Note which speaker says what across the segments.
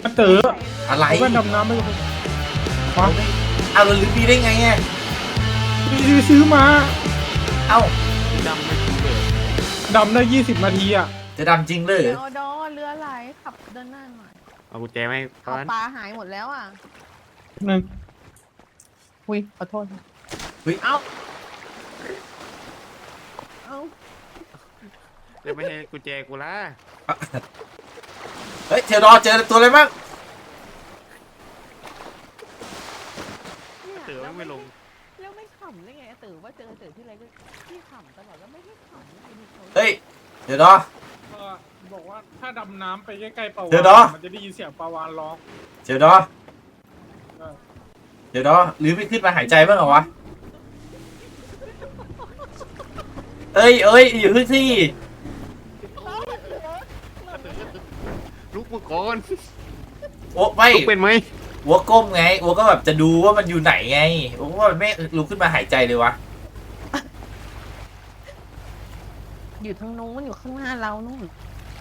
Speaker 1: เต๋อ
Speaker 2: อะไร
Speaker 1: เอาแว่นดำน้ำไปเลยมา
Speaker 2: เอาเราลืมดีได้ไงอ่ะ
Speaker 1: พี่ซื้อมา
Speaker 2: เอ้า
Speaker 3: ดำไม่คุ้มเลย
Speaker 1: ดำได้20 นาทีอ่ะ
Speaker 2: จะดำจริงเลย
Speaker 4: เดี๋ยวดอเรือไหลขับเดินหน้าหน่อย
Speaker 3: เอากุญแจไหมตอ
Speaker 4: เอา
Speaker 3: นนั้น
Speaker 4: ปลาหายหมดแล้วอ่ะ
Speaker 1: หนึ่ง
Speaker 4: อุ้ยขอโทษ
Speaker 2: เฮ้ย
Speaker 4: เอ้าเอ้า
Speaker 3: จะไม่ให้กุญแจกูละ
Speaker 2: เฮ้ยเทลดอเจอตัวอะไรบ้าง
Speaker 4: เนี่ย
Speaker 3: เต๋อไม่ลง
Speaker 4: แล้วไม่ขำได้ไงตื่นว่าเจอตื่นที่ไรก็พี่ขำตลอดแล้วไม่ให้ขำไอ้นี่เขา
Speaker 2: เฮ้ยเดี๋ยวดอ
Speaker 1: บอกว่าถ้าดำน้ำไปใกล้ๆปลาวา
Speaker 2: เดี๋ยวนะ
Speaker 1: มันจะได้ยินเสียงปลาวานร้อง
Speaker 2: เดี๋ยวดอ
Speaker 1: เออ
Speaker 2: เดี๋ยวดอหรือไม่ขึ้นมาหายใจบ้างเหรอวะเอ้ยอยู่พื้นที่
Speaker 3: ลุกมือก่อน
Speaker 2: โอ้ไม่
Speaker 3: ลุกเป็นไหม
Speaker 2: วัวก้มไงวัวก็แบบจะดูว่ามันอยู่ไหนไงวัวก็ไม่ลุกขึ้นมาหายใจเลยวะ
Speaker 4: อยู่ทางนู้นอยู่ข้างหน้าเรานู่น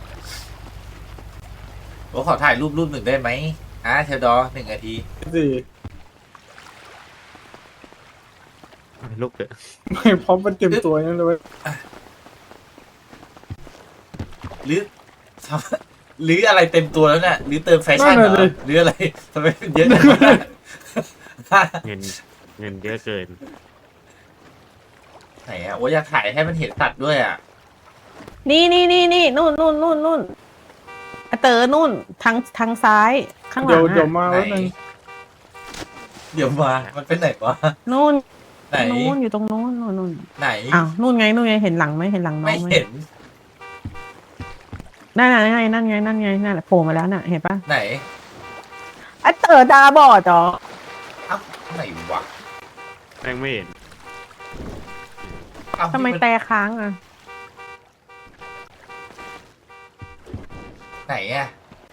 Speaker 2: วัวขอถ่ายรูปหนึ่งได้ไหมเทลดอ1 นาที
Speaker 1: สี่
Speaker 3: ลุกเถอะ
Speaker 1: ไม่พร้อมมันเต็มตัวนั่นเลย
Speaker 2: หรือหรืออะไรเต็มตัวแล้วเนี่ยหรือเติมแฟชั่นเหรอหรืออะไรทำไมมันเยอะจังวะ
Speaker 3: เงินเยอะเกิน
Speaker 2: ไหนอะโอ้ยอยากถ่ายให้มันเห็นสัตว์ด้วยอะ
Speaker 4: นี่นู่นอ่ะเต๋อนู่นทางซ้ายข้างหลั
Speaker 1: เดี๋ยว
Speaker 4: ง
Speaker 1: เดี๋ยว
Speaker 4: อ่ะ
Speaker 1: มา
Speaker 2: ไหน
Speaker 1: แล้วนึง
Speaker 2: เดี๋ยวมามันเป็นไหนวะ
Speaker 4: นู่น
Speaker 2: ไหน
Speaker 4: นู่นอยู่ตรงนู้นนู่น
Speaker 2: ไหน
Speaker 4: อ้าวนู่นไงเห็นหลังไหมเห็นหลังน้
Speaker 2: ไม่
Speaker 4: องไหม
Speaker 2: เห็น
Speaker 4: นั่นไงนั่นไงนั่นแหละโผล่มาแล้วน่ะเห็นปะ
Speaker 2: ไหน
Speaker 4: อ่ะเต๋อตาบอดเหรอ
Speaker 2: เอ้าไหนวะ
Speaker 3: แม่งไม่เห็น
Speaker 2: เอ้า
Speaker 4: ทำไมแต่ค้างอ่ะ
Speaker 2: ไหนอะ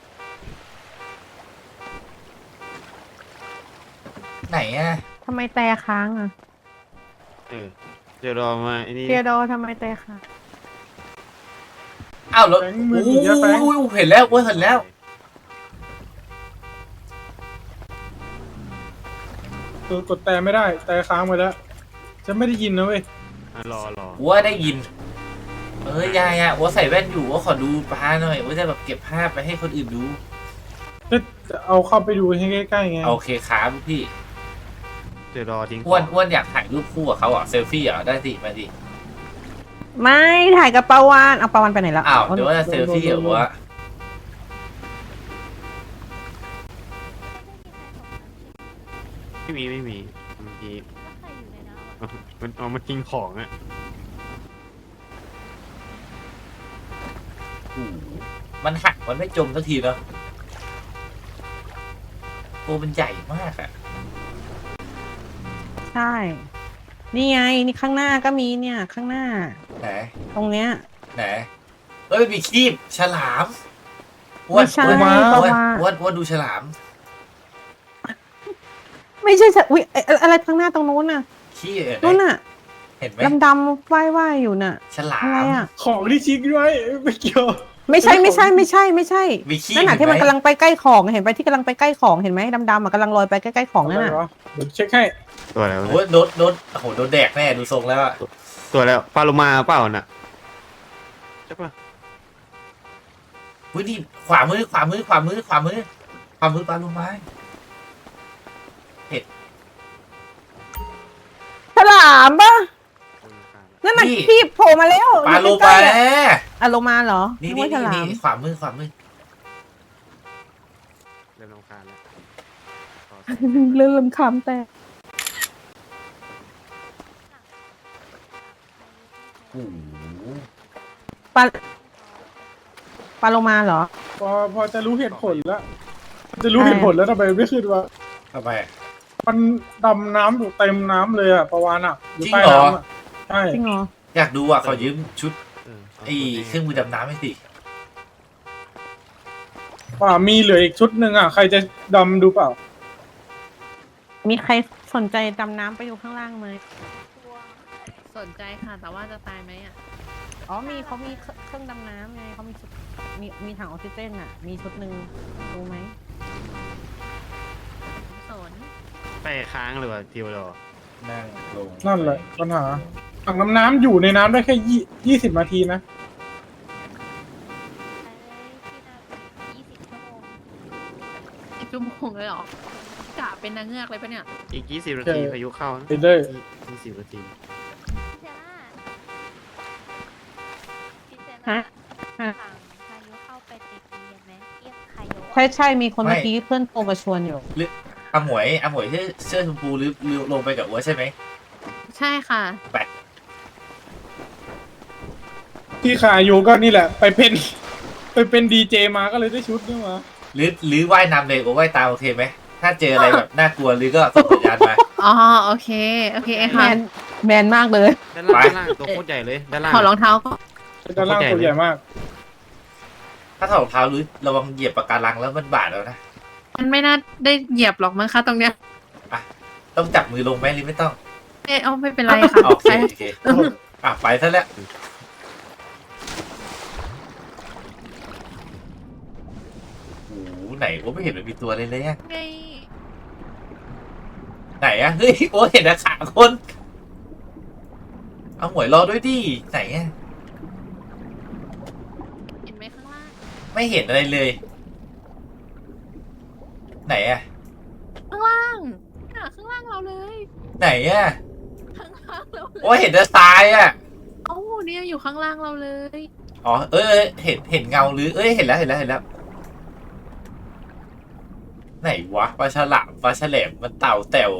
Speaker 2: ไหนอะ
Speaker 4: ทำไมแต่ค้างอ่ะ
Speaker 3: เดี๋ยวรอมาไอ้นี่
Speaker 4: เทียโดทำไมแต่ค้าง
Speaker 2: เอ้าแล้ว
Speaker 1: แฟงมื
Speaker 2: โอ้
Speaker 1: อถือเยอะแฟง
Speaker 2: ยเห็นแล้วโอ้ยเห็นแล้ว
Speaker 1: กดแต่ไม่ได้แต่ค้างไปแล้วจะไม่ได้ยินนะเว้ย
Speaker 3: รอ
Speaker 2: ว่าได้ยินยายอะว่าใส่แว่นอยู่ว่าขอดูปลาหน่อยว่าจะแบบเก็บภาพไปให้คนอื่นดู
Speaker 1: จะเอาเข้าไปดูให้ใกล้ๆไง
Speaker 2: โอเคครับพี่
Speaker 3: เดี๋ยวรอทิ้ง
Speaker 2: อ้วนอยากถ่ายรูปคู่กับเขาเหรอเซลฟี่เหรอได้สิมาดิ
Speaker 4: ไม่ถ่ายกับปาวานเอาปาวานไปไหนแล้ว
Speaker 2: อ้าวเดี๋ยวว่าจะเซลฟี่เหรอวะ
Speaker 3: ไม่มีเมื่อกี้มันเอามาทิ้งของอ่ะ
Speaker 2: มันหักมันไม่จมสักทีเนาะตัวมันใหญ่มากอะ
Speaker 4: ใช่ นี่ไงนี่ข้างหน้าก็มีเนี่ยข้างหน้า
Speaker 2: ไหน
Speaker 4: ตรงเนี้ย
Speaker 2: ไหนมันมีคีบฉลามอ้วน
Speaker 4: ไม่ใช่
Speaker 2: อ้วน
Speaker 4: ปลาวาฬ
Speaker 2: อ้วนดูฉลาม
Speaker 4: ไม่ใช่อุ้ยอะไรข้างหน้าตรงนู้นน่ะ
Speaker 2: ขี้
Speaker 4: นู้นน่ะ
Speaker 2: เห็นไหม
Speaker 4: ดำๆว่ายอยู่น่ะ
Speaker 2: ฉลา
Speaker 4: อะไร
Speaker 2: ม
Speaker 4: อ่ะ
Speaker 1: ของที่ชิกด้วยไม่เกี่ยว
Speaker 4: ไม่ใช่
Speaker 2: มีขี้
Speaker 4: นั่นน่ะ
Speaker 2: เห็นไหม
Speaker 4: ที่มันกำลังไปใกล้ของเห็นไปที่กำลังไปใกล้ของเห็นไหมดำๆอ่ะกำลังลอยไปใกล้ๆของนั่น
Speaker 1: อะไร
Speaker 4: น่ะ
Speaker 1: วะเดี๋ยวเช็คให้
Speaker 3: ตัวแล้ว
Speaker 2: โอ้ยโดนโอ้โหโดนแดกแน่ดูทรงแล้วอะ
Speaker 3: ตัวแล้วปลาโลมาเปล่าน่ะใช่ปะ
Speaker 2: อุ้ยนี่ขวามือปลาลูกไม้
Speaker 4: ฉลามปะนั่นน่ะที่โผล่มาแล้ว
Speaker 2: ปลาโล
Speaker 4: อยู่ใก
Speaker 2: มา
Speaker 4: ๆอะอะโลมาเหรอ
Speaker 2: นี่
Speaker 4: กว่าฉลาม
Speaker 2: ขวามือ
Speaker 3: เริ่มรำคาญแล้ว
Speaker 4: เริ่มคำแต่
Speaker 2: โอ้โห
Speaker 4: ปลาปลาโลมาเหรอ
Speaker 1: พอจะรู้เหตุผลแล้วจะรู้เหตุผลแล้วทำไมไม่ขึ้นวะ
Speaker 2: ทำไม
Speaker 1: มันดำน้ำอยู่เต็มน้ำเลยอะปลาวานอะอยู่ใต้
Speaker 2: จริงเหรอ
Speaker 1: น้ำอะใช่
Speaker 4: จริงเหรอ
Speaker 2: อยากดูอ่ะขอยืมชุด
Speaker 3: เอา
Speaker 2: ไอ้เครื่องมือดำน้ำให้สิ
Speaker 1: ป่ามีเหลืออีกชุดหนึ่งอะใครจะดำดูเปล่า
Speaker 4: มีใครสนใจดำน้ำไปอยู่ข้างล่างไหม
Speaker 5: สนใจค่ะ แต่ว่าจะตายไหมอ่ะ
Speaker 4: อ๋อเขามีเครื่องดำน้ำไงเขามีชุดมีถังออกซิเจนอ่ะ มีชุดหนึ่งรู้ไหม
Speaker 3: ไปค้างหรือว่าทิวโร
Speaker 2: นั่งลง
Speaker 1: นั่นแหละปัญหาถังน้ำอยู่ในน้ำได้แค่20 นาทีนะ
Speaker 5: 20 ชั่วโมงเลยเหรอกะเป็นนางเงือกเลยปะเนี่ย
Speaker 3: อีก20 นาทีพายุเข้านะ
Speaker 1: ไปเลย
Speaker 3: 20 นาที
Speaker 4: ฮะ
Speaker 6: พายุเข้าไปติดเรียนไหมเรียกใครโย
Speaker 4: ใช่ใช่มีคนเมื่อกี้เพื่อนโทรมาชวนอยู่
Speaker 2: หรืออาหมวยเสื้อชมพูหรือลงไปกับอัวใช่ไหม
Speaker 5: ใช่ค่ะ
Speaker 1: ที่ขาอยู่ก็นี่แหละ ไปเป็นดีเจมาก็เลยได้ชุดนี่มา
Speaker 2: หรือว่ายน้ำเลยโอ้ว่ายตามโอเคไหมถ้าเจออะไรแบบน่ากลัวหรือก็ส่งสัญญาณมา
Speaker 5: อ๋อ โอเค โอเค
Speaker 4: แม
Speaker 5: ค่ะ
Speaker 4: นแมนมากเลย
Speaker 3: ด้านล่าง
Speaker 2: ไป
Speaker 3: ด้านล่างตัวโคตรใหญ่เลยด้านล่าง
Speaker 5: ขอรองเท้าก็
Speaker 1: เป็นด้านล่างตัวใหญ่มาก
Speaker 2: ถ้าถอดรองเท้าหรือระวังเหยียบปากการังแล้วมันบาดแล้วนะ
Speaker 5: มันไม่น่าได้เหยียบหรอกมั้งคะตรงเนี้ย
Speaker 2: ต้องจับมือลงไหมหรือไม่ต้อง
Speaker 5: เอาไม่เป็นไรค่ะ
Speaker 2: โอเคโอเคไปซะแล้วโอ้โหไหนโอ้ไม่เห็นมันมีตัวเลยเลยอะ
Speaker 5: ไง
Speaker 2: ไหนอะเฮ้ยโอ้เห็นนะขาคนเอาหมวยรอด้วยดิไหนอะ
Speaker 5: เห็นไหมข้างล่าง
Speaker 2: ไม่เห็นอะไรเลย ไหนอะ
Speaker 5: ข้างล่างน่ะข้างล่างเราเลย
Speaker 2: ไหนอะ
Speaker 5: ข้างล่างเราเลย
Speaker 2: โอ้เห็นแต่ทรายอะ
Speaker 5: เอ้าเนี่ยอยู่ข้างล่างเราเลย
Speaker 2: อ๋อเห็นเงาหรือเห็นแล้วไหนวะปลาฉลามปลาแฉลมมันเต่าแต๋ว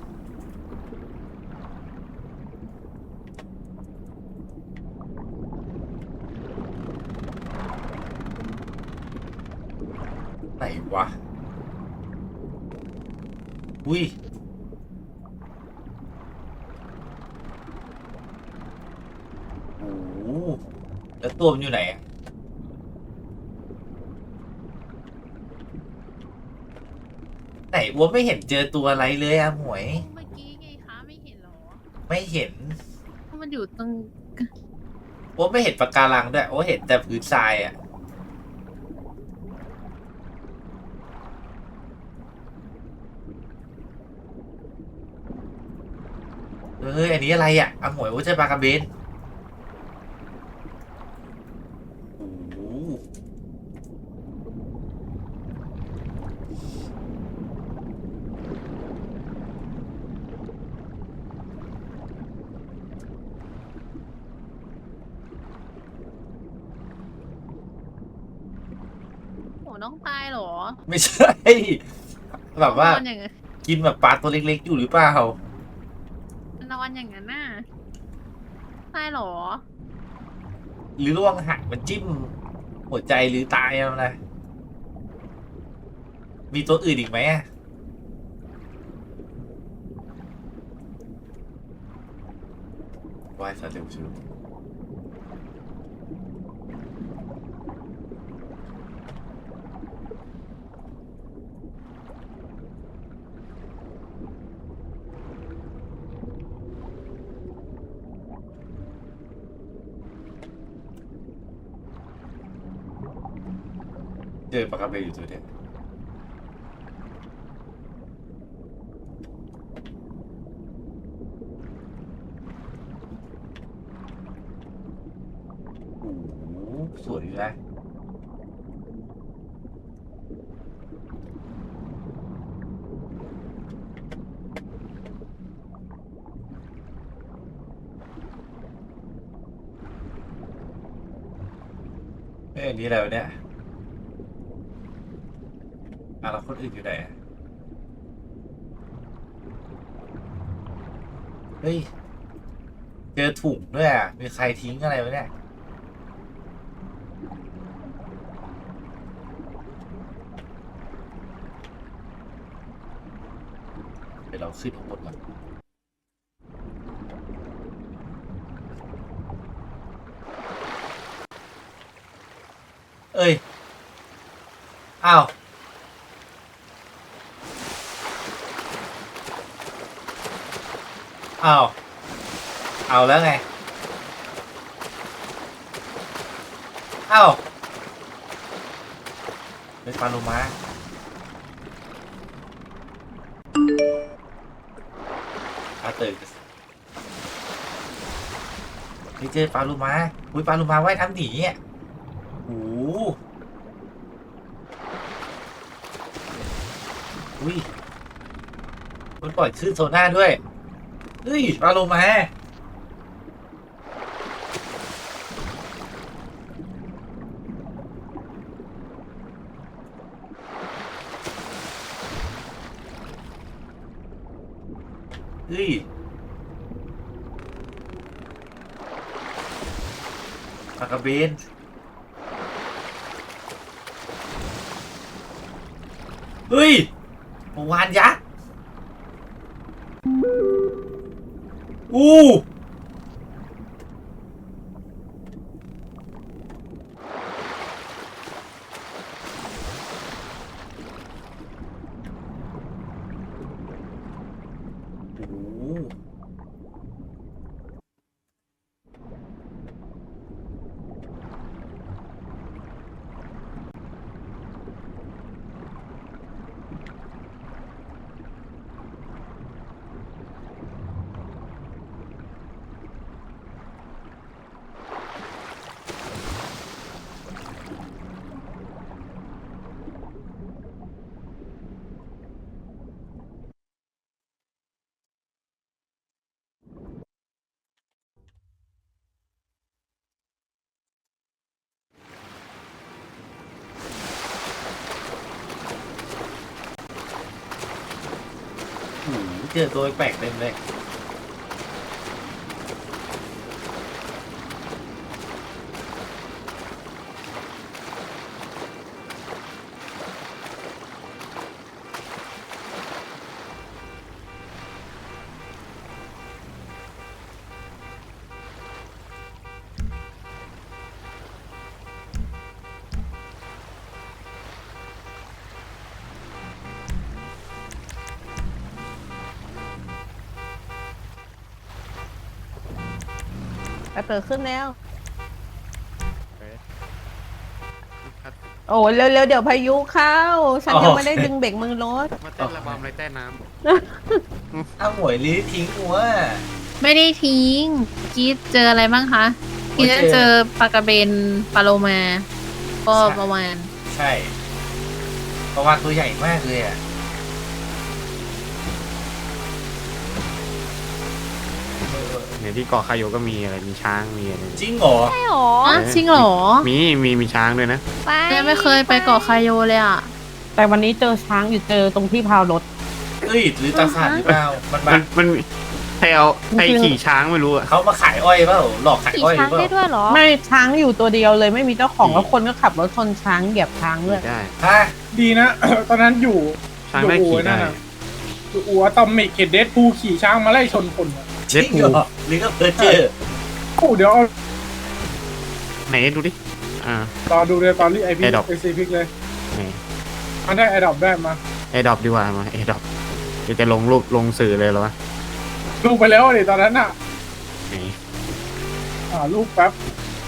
Speaker 2: ไหนวะอุ้ยโอ้โหแล้วตัวมันอยู่ไหนอะไหนวัวไม่เห็นเจอตัวอะไรเลยอะหมวย
Speaker 5: เมื่อกี้ไงคะไม่เห็นเหรอ
Speaker 2: ไม่เห็น
Speaker 5: เพราะมันอยู่ตรง
Speaker 2: วัวไม่เห็นปะการังด้วยวัวเห็นแต่พื้นทรายอะเฮ้ยอันนี้อะไรอะหมวยวัวใช่ปลากระเบนโอ้โห
Speaker 5: โหน้องตายเหรอ
Speaker 2: ไม่ใช่ แบบว่า
Speaker 5: นอนอย่างนั้น
Speaker 2: กินแบบปลาตัวเล็กๆอยู่หรือเปล่าน
Speaker 5: อนอย่างนั้นน่ะตายเหรอ
Speaker 2: หรือล่วงหักมันจิ้มหัวใจหรือตายเอานะมีตัวอื่นอีกไหมอะว่ายซะเร็วชิวเจอปลากระเบนอยู่ตัวเดียวโอ้โหสวยอยู่นะอันนี้อะไรวะเนี่ยแล้วคนอื่นอยู่ไหนอะเฮ้ย เจอถุงด้วยอ่ะ มีใครทิ้งอะไรไว้เนี่ย เดี๋ยวเราขึ้นข้างบนก่อนเอ้ย อ้าว เอาแล้วไง เป็นปลาโลมาตื่นนี่เจอปลาลูมาอุ้ยปลาลูมาว่ายน้ำหนีอ่ะโอ้อุ้ยมันปล่อยคลื่นโซน่าด้วยเฮ้ยปลาโลมาเฮ้ยปลากระเบนเฮ้ยเมื่อวานยักษ์อู้เจอตัวแปลกเต็มเลย
Speaker 4: ไอเต๋อขึ้นแล้ว โอ้เร็วๆเดี๋ยวพายุเข้า ฉันยังไม่ได้ดึงเบรกมือรถ
Speaker 3: มาเต้นระบำไรใต้น้
Speaker 2: อ้าวหมวยลีทิ้งหัว
Speaker 5: ไม่ได้ทิ้งกี้เจออะไรบ้างคะกี้จะเจอปลากระเบนปลาโลมา ก็ประมาณ
Speaker 2: ใช่ประวานตัวใหญ่มากเลยอ่ะ
Speaker 3: ำเนี่ยที่เกาะคาโยก็มีอะไรมีช้างมีอะไร
Speaker 2: จริงเหรอ
Speaker 6: ใช่หรอ
Speaker 5: อ๋อจริงเหรอ
Speaker 3: มีช้างด้วยนะ
Speaker 6: ไป
Speaker 5: เนี่ยไม่เคยไปเกาะคาโยเลยอ่ะ
Speaker 4: แต่วันนี้เจอช้างอยู่เจอตรงที่พาวรถ
Speaker 2: เอ้ยหรือตาสานหรือเปล่ามันมา
Speaker 3: มันมีใครเอาใครขี่ช้างไม่รู้อะ
Speaker 2: เขามาขายอ้อยเปล่าหลอกขาย
Speaker 6: ขี่
Speaker 2: อ้อยห
Speaker 6: ช้า
Speaker 2: รื
Speaker 6: ง
Speaker 2: อเป
Speaker 6: ได้
Speaker 2: ล่า
Speaker 6: ด้วยเหรอ
Speaker 4: ไม่ช้างอยู่ตัวเดียวเลยไม่มีเจ้าของแล้วคนก็ขับรถชนช้างเหยียบช้างเลย
Speaker 3: ได้
Speaker 2: ฮะ
Speaker 1: ดีนะ ตอนนั้นอยู่
Speaker 3: ช้างได้ขี่ได้
Speaker 1: อยู่อัวตอมมิกเขตเดดพูลขี่ช้างมาไล่ชนคนอะ
Speaker 2: จริงเหรอหรือก็เพอเจอ
Speaker 1: โอ้เดี๋ยวเอา
Speaker 3: ไหนดูดิอ่าร
Speaker 1: อดูเลยตอนที่ไอพี
Speaker 3: Adopt
Speaker 1: ไอซีพิกเลย
Speaker 3: ไหน
Speaker 1: มันได้ไอดอปได้มา
Speaker 3: แอร์ดรอปดีกว่ามาแอร์ดรอปเดี๋ยวจะลงรูปลงสื่อเลยเหรอวะ
Speaker 1: ลูกไปแล้วเลยตอนนั้นอ่ะ
Speaker 3: ไหน
Speaker 1: ลูกแป๊บ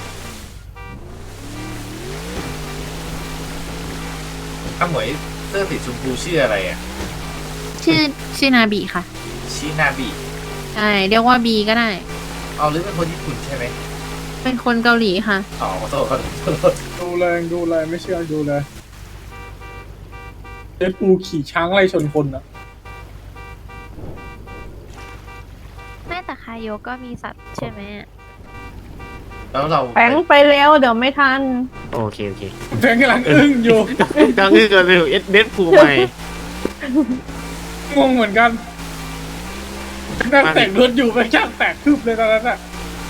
Speaker 2: อ้าวหมวยเสื้อสีชมพูชื่ออะไรอ่ะ
Speaker 5: ชื่อนาบีค่ะ
Speaker 2: ชินาบิ
Speaker 5: ใช่เรียกว่าบีก็ได้
Speaker 2: เอาหรือเป็นคนญี่ปุ่นใช่ไหม
Speaker 5: เป็นคนเกาหลีค่ะ
Speaker 2: อ๋อขอโทษขอโทษ
Speaker 1: ดูเลยไม่เชื่อดูเลยเดดพูลขี่ช้างไล่ชนคนอ่ะ
Speaker 6: แม่แต่คาโยก็มีสัตว์ใช่ไหม
Speaker 2: แล้วเรา
Speaker 4: แฝงไปแล้วเดี๋ยวไม่ทัน
Speaker 3: โอเคโอเค
Speaker 1: แฟนกำลังอึ้งอยู่
Speaker 3: ดังนี้เกินเลยเด็ดพูใหม่
Speaker 1: งงเหมือนกันนั่งแต่งรถอยู่ไปช่างแตกคืบเลยตอนนั้นอ่ะ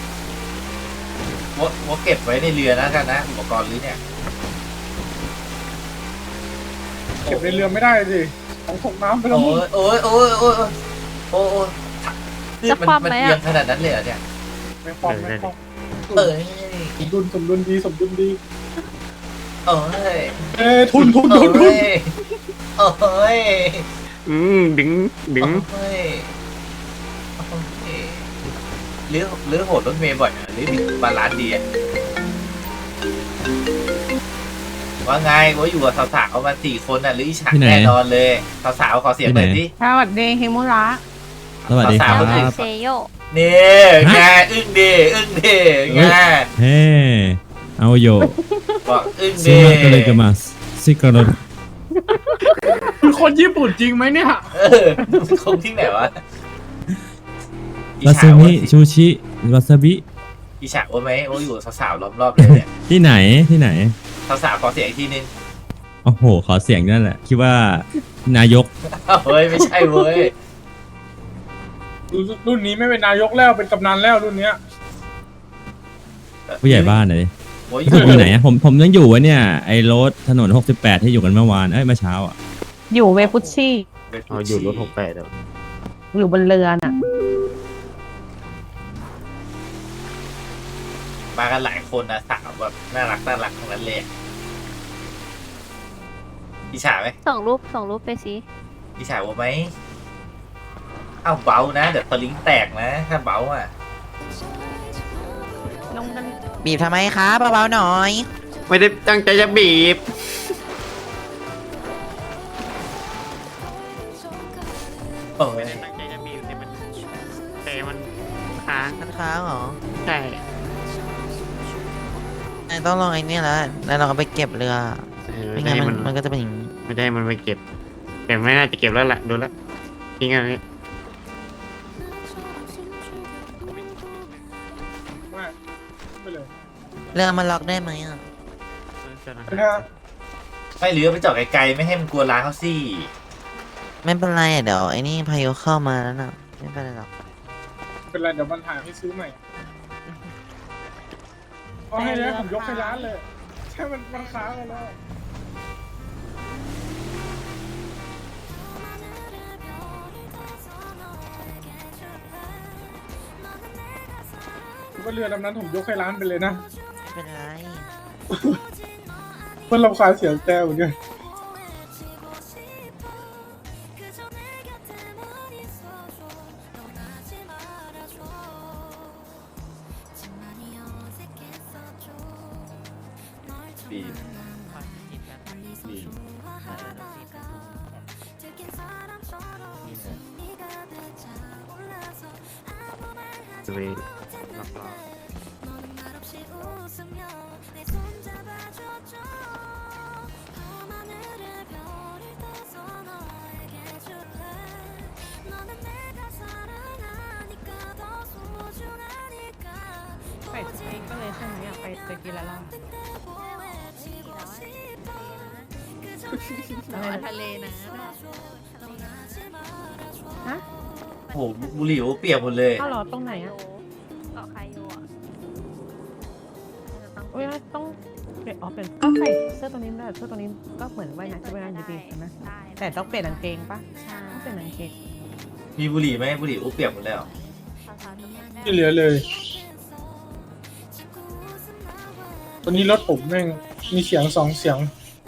Speaker 2: ว่าเก็บไว้ในเรือนะกันนะอุปกรณ์หรือเนี่ย
Speaker 1: เก็บในเรือไม่ได้สิของตกน้ำไปแล้ว
Speaker 2: โอ้
Speaker 1: มึง
Speaker 2: ยโอ้ยโอ้ยโอ้ยโอ้ยโอ้ยคือมันเอียงขนาดนั้นเลยเหรอเนี่ย
Speaker 1: ไม่ฟ้องไม่ฟ้อง
Speaker 2: เอ้ย
Speaker 1: สมดุลดี
Speaker 2: เอ้ย
Speaker 1: ทุน
Speaker 2: เอ้ยเอ้ย
Speaker 3: ดึง
Speaker 2: เอ้ยหรือโหดรถเมย์บ่อยหรือบาลานซ์ดีอะว่าไงว่าอยู่กับสาวๆมา4 คนน่ะหรืออิจฉาแน่นอนเลยสาวๆขอเสียงหน่อยสิ
Speaker 4: สวัสดีฮิมุระ
Speaker 1: อ
Speaker 7: สวัสดีครั
Speaker 2: สาวๆคนอื่น
Speaker 7: บ
Speaker 6: เซโย
Speaker 2: นี่ไงอึ้งดีไง
Speaker 7: เฮ้เอาโย
Speaker 2: บอกอึ้ง
Speaker 7: ซิ
Speaker 2: ดี
Speaker 7: มาเกเลกามาซิกาโร
Speaker 1: คือคนญี่ปุ่นจริงไหมเนี่ย
Speaker 2: คงที่ไหนวะ
Speaker 7: วาซาบิชูชิวาซาบิ
Speaker 2: อิฉาว่าไหมโอ้อยู่สาวๆล้อมรอบเลยเนี่ย
Speaker 7: ที่ไหนที่ไหน
Speaker 2: สาวๆขอเสียงอีกทีนึง
Speaker 7: โอ้โห ขอเสียงนั่นแหละ คิดว่านายก
Speaker 2: เฮ้ยไม่ใช่เว้ย
Speaker 1: รุ่นนี้ไม่เป็นนายกแล้วเป็นกำนันแล้วรุ่นเนี้ย
Speaker 7: ผู้ใหญ่บ้านไหน
Speaker 2: โอ้ย
Speaker 7: อยู่ไหนอะผมยังอยู่วะเนี่ย ไอ้รถถนน 68 ที่อยู่กันเมื่อวาน เอ้ยเมื่อเช้าอ่ะ
Speaker 4: อยู่เวฟุชชี่
Speaker 3: เอาอยู่รถ68แล้ว
Speaker 4: อยู่บนเรือน่ะ
Speaker 2: มากันหลายคนนะสาวแบบน่ารักทั้งนั้นเลยอิฉาไหม
Speaker 6: ส่งรูปไปสิ
Speaker 2: อิฉาว่าไหมเอ้าเบานะเดี๋ยวตะลิงแตกนะถ้าเบาอ่ะ
Speaker 4: ลงกัน
Speaker 8: บีบทำไมคะเบาๆหน่อย
Speaker 3: ไม่ได้ตั้งใจจะบีบ
Speaker 2: โอ้ย
Speaker 3: ไม่ได้ตั้งใจจะบีบแต่มันค้าง
Speaker 8: มันค้างเหรอ
Speaker 3: ใช่
Speaker 8: นายต้องลองไอ้นี่แล้วเราก็ไปเก็บเรือ
Speaker 3: ไม่
Speaker 8: ไม่
Speaker 3: ได้
Speaker 8: งั้น
Speaker 3: มัน
Speaker 8: มันก็จะเป็นอย่างนี้
Speaker 3: ไม่ได้มันไปเก็บ แต่ไม่น่าจะเก็บแล้วล่ะดูแล้วทิ้งอันนี้
Speaker 1: ไปเลย
Speaker 8: เรือมันล็อกได้ไหมอ่ะ
Speaker 1: นะฮะ
Speaker 2: ไม่หรือไปจอดไกลๆไม่ให้มันกลัวร้านเขาสิ
Speaker 8: ไม่เป็นไรอะเดี๋ยวไอ้นี่พายุเข้ามาแล้วน่ะไม่เป็นไรหรอก
Speaker 1: เป็นไรเดี๋ยวมันหาให้ซื้อใหม่เอาให้แล้วผมยกให้ร้านเลยใช่มันค้างไปแล้วว่าเรือลำนั้นผมยกให้ร้านไปเลยนะ
Speaker 8: ไม่เป็นไร
Speaker 1: เพื่อนรำคาญเสียงแก้วเนี่ย
Speaker 2: บีบบีบ
Speaker 3: จะไปรับรอง
Speaker 4: ไปสเปกก็เลยใช่ไหมอ่ะไปกินละล่า
Speaker 5: อะไรทะเลนะ
Speaker 4: ฮะ
Speaker 2: โอ้โหบุหรี่เปียกหมดเลย
Speaker 4: อ้าวเหรอตรงไหนอ่ะ
Speaker 6: เกาะไคโยอ่ะ
Speaker 4: โอ้ยต้องเปลี่ยนเปลี่ยนก็ใส่เสื้อตัวนี้ด้วยเสื้อตัวนี้ก็เหมือนว่ายน้ำจะว่ายน้ำอยู่ดีใช่ไหม
Speaker 6: ได้
Speaker 4: แต่ต้องเปลี่ยนกางเกงปะ
Speaker 6: ใช่
Speaker 4: ต้องเปลี่ยนกางเกง
Speaker 2: มีบุหรี่ไหมบุหรี่เปียกหมดแล้ว
Speaker 6: สาวๆทุกคนได้
Speaker 1: ที่เหลือเลยตอนนี้รถผมแม่งมีเสียง2 เสียง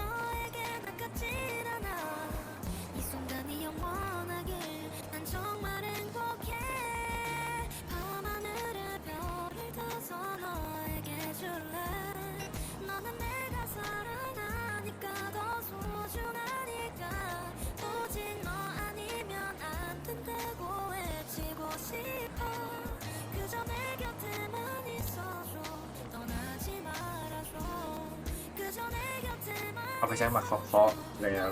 Speaker 2: เอาไปใช้มาเคาะๆแล้ว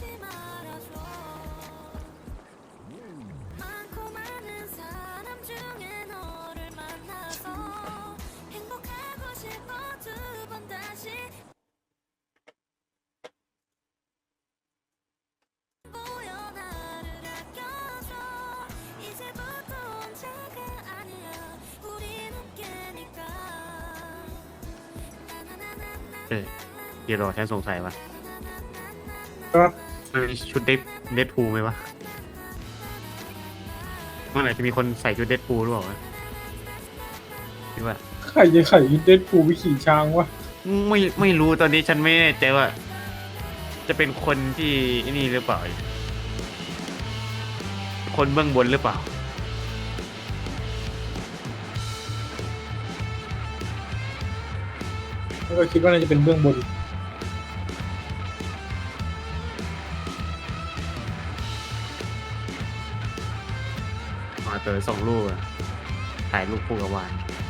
Speaker 3: เดี๋ยวรอฉันสงสัยว่า
Speaker 1: ครับ
Speaker 3: มันมีชุดเดดพูลไหมวะเมื่อไหร่จะมีคนใส่ชุดเดดพูลหรือเปล่าวะคิดว่า
Speaker 1: ใครจะไข่เดดพูลไปขี่ช้างวะ
Speaker 3: ไม่รู้ตอนนี้ฉันไม่แน่ใจว่า จะเป็นคนที่นี่หรือเปล่า คนเบื้องบนหรือเปล่า
Speaker 1: แล้วก็คิดว่าน่าจะเป็นเบื้องบน
Speaker 3: อเต๋อส่งรูปอะถ่ายรูปคู่กับวาน